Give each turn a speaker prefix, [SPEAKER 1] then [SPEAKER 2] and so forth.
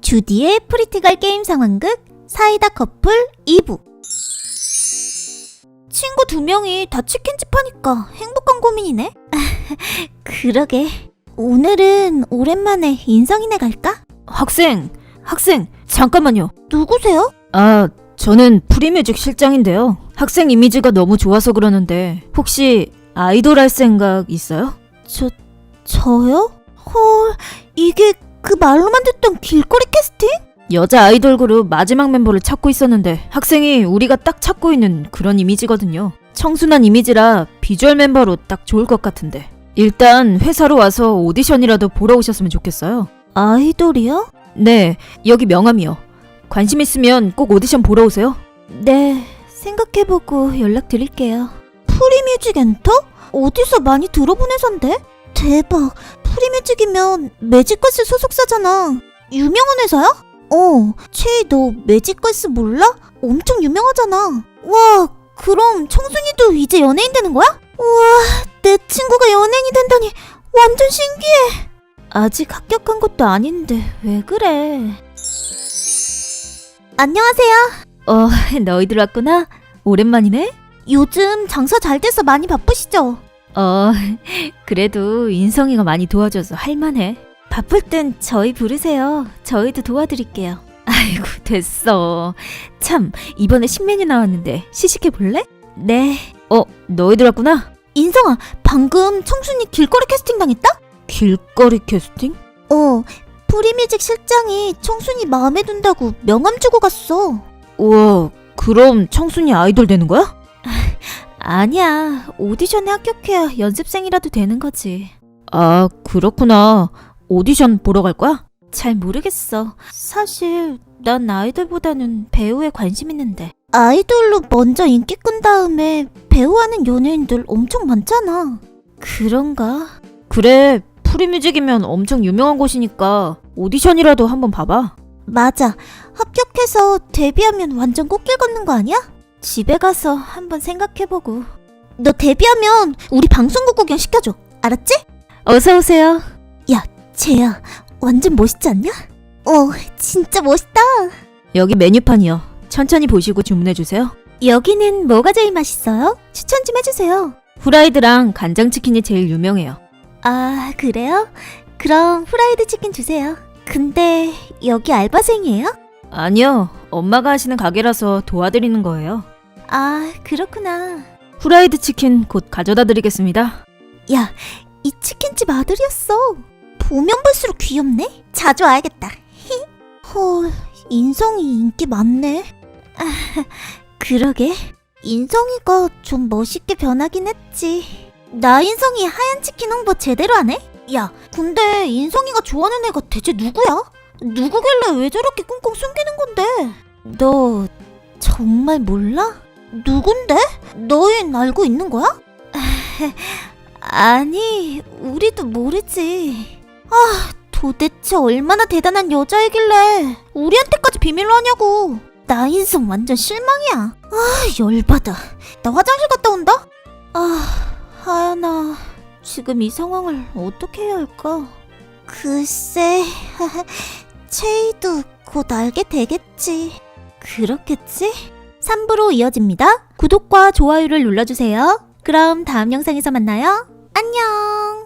[SPEAKER 1] 주디의 프리티걸 게임 상황극 사이다 커플 2부. 친구 2명이 다 치킨집 하니까 행복한 고민이네. 그러게. 오늘은 오랜만에 인성이네 갈까?
[SPEAKER 2] 학생, 잠깐만요.
[SPEAKER 1] 누구세요?
[SPEAKER 2] 저는 프리뮤직 실장인데요. 학생 이미지가 너무 좋아서 그러는데 혹시 아이돌 할 생각 있어요?
[SPEAKER 1] 저요? 헐, 이게 그 말로만 듣던 길거리 캐스팅?
[SPEAKER 2] 여자 아이돌 그룹 마지막 멤버를 찾고 있었는데 학생이 우리가 딱 찾고 있는 그런 이미지거든요. 청순한 이미지라 비주얼 멤버로 딱 좋을 것 같은데 일단 회사로 와서 오디션이라도 보러 오셨으면 좋겠어요.
[SPEAKER 1] 아이돌이요?
[SPEAKER 2] 네, 여기 명함이요. 관심 있으면 꼭 오디션 보러 오세요.
[SPEAKER 1] 네, 생각해보고 연락드릴게요. 프리뮤직 엔터? 어디서 많이 들어본 회사인데? 대박, 프리뮤직이면 매직걸스 소속사잖아. 유명한 회사야? 채이 너 매직걸스 몰라? 엄청 유명하잖아. 와, 그럼 청순이도 이제 연예인 되는 거야? 우와, 내 친구가 연예인이 된다니 완전 신기해. 아직 합격한 것도 아닌데 왜 그래? 안녕하세요.
[SPEAKER 2] 너희들 왔구나? 오랜만이네?
[SPEAKER 1] 요즘 장사 잘 돼서 많이 바쁘시죠?
[SPEAKER 2] 그래도 인성이가 많이 도와줘서 할만해.
[SPEAKER 1] 바쁠 땐 저희 부르세요. 저희도 도와드릴게요.
[SPEAKER 2] 아이고 됐어. 참 이번에 신메뉴 나왔는데 시식해 볼래?
[SPEAKER 1] 네.
[SPEAKER 2] 너희들 왔구나?
[SPEAKER 1] 인성아, 방금 청순이 길거리 캐스팅 당했다?
[SPEAKER 2] 길거리 캐스팅?
[SPEAKER 1] 프리뮤직 실장이 청순이 마음에 든다고 명함 주고 갔어.
[SPEAKER 2] 우와, 그럼 청순이 아이돌 되는 거야?
[SPEAKER 1] 아니야, 오디션에 합격해야 연습생이라도 되는 거지.
[SPEAKER 2] 아, 그렇구나. 오디션 보러 갈 거야?
[SPEAKER 1] 잘 모르겠어. 사실 난 아이돌보다는 배우에 관심 있는데. 아이돌로 먼저 인기 끈 다음에 배우하는 연예인들 엄청 많잖아. 그런가?
[SPEAKER 2] 그래, 프리뮤직이면 엄청 유명한 곳이니까 오디션이라도 한번 봐봐.
[SPEAKER 1] 맞아, 합격해서 데뷔하면 완전 꽃길 걷는 거 아니야? 집에 가서 한번 생각해보고. 너 데뷔하면 우리 방송국 구경 시켜줘. 알았지?
[SPEAKER 2] 어서 오세요.
[SPEAKER 1] 야, 쟤야, 완전 멋있지 않냐? 진짜 멋있다.
[SPEAKER 2] 여기 메뉴판이요. 천천히 보시고 주문해주세요.
[SPEAKER 1] 여기는 뭐가 제일 맛있어요? 추천 좀 해주세요.
[SPEAKER 2] 후라이드랑 간장치킨이 제일 유명해요.
[SPEAKER 1] 아, 그래요? 그럼 후라이드 치킨 주세요. 근데 여기 알바생이에요?
[SPEAKER 2] 아니요, 엄마가 하시는 가게라서 도와드리는 거예요.
[SPEAKER 1] 아, 그렇구나.
[SPEAKER 2] 후라이드 치킨 곧 가져다 드리겠습니다.
[SPEAKER 1] 야, 이 치킨집 아들이었어. 보면 볼수록 귀엽네. 자주 와야겠다. 헐, 인성이 인기 많네. 그러게, 인성이가 좀 멋있게 변하긴 했지. 나 인성이 하얀 치킨 홍보 제대로 하네? 야, 근데 인성이가 좋아하는 애가 대체 누구야? 누구길래 왜 저렇게 꽁꽁 숨기는 건데? 너 정말 몰라? 누군데? 너흰 알고 있는 거야? 아니, 우리도 모르지. 도대체 얼마나 대단한 여자이길래 우리한테까지 비밀로 하냐고. 나 인성 완전 실망이야. 열받아. 나 화장실 갔다 온다. 하연아, 지금 이 상황을 어떻게 해야 할까? 글쎄, 채이도 곧 알게 되겠지. 그렇겠지? 3부로 이어집니다. 구독과 좋아요를 눌러주세요. 그럼 다음 영상에서 만나요. 안녕.